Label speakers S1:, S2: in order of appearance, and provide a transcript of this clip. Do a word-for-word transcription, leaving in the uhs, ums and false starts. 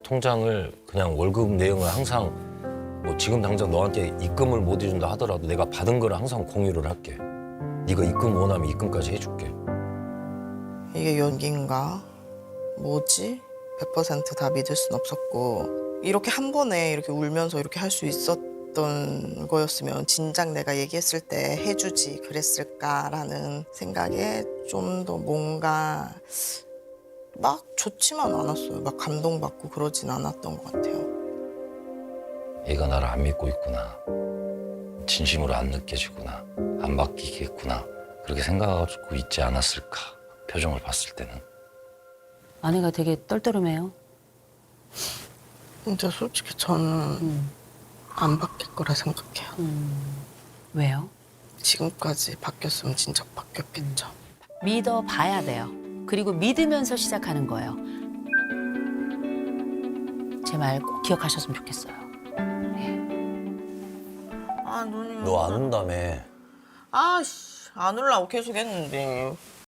S1: 통장을 그냥 월급 내용을 항상 뭐 지금 당장 너한테 입금을 못 해준다 하더라도 내가 받은 거를 항상 공유를 할게. 네가 입금 원하면 입금까지 해줄게.
S2: 이게 연기인가? 뭐지? 백 퍼센트 다 믿을 순 없었고 이렇게 한 번에 이렇게 울면서 이렇게 할 수 있었던 거였으면 진작 내가 얘기했을 때 해주지 그랬을까라는 생각에 좀 더 뭔가 막 좋지만 않았어요. 막 감동받고 그러진 않았던 것 같아요.
S1: 얘가 나를 안 믿고 있구나. 진심으로 안 느껴지구나. 안 바뀌겠구나. 그렇게 생각하고 있지 않았을까. 표정을 봤을 때는.
S3: 아내가 되게 떨떠름해요.
S2: 근데 솔직히 저는
S3: 음.
S2: 안 바뀔 거라 생각해요.
S3: 음. 왜요?
S2: 지금까지 바뀌었으면 진짜 바뀌었겠죠.
S3: 믿어 봐야 돼요. 그리고 믿으면서 시작하는 거예요. 제 말 꼭 기억하셨으면 좋겠어요.
S2: 아 눈이
S1: 너 안 온다며.
S2: 아씨 안 올라고 계속 했는데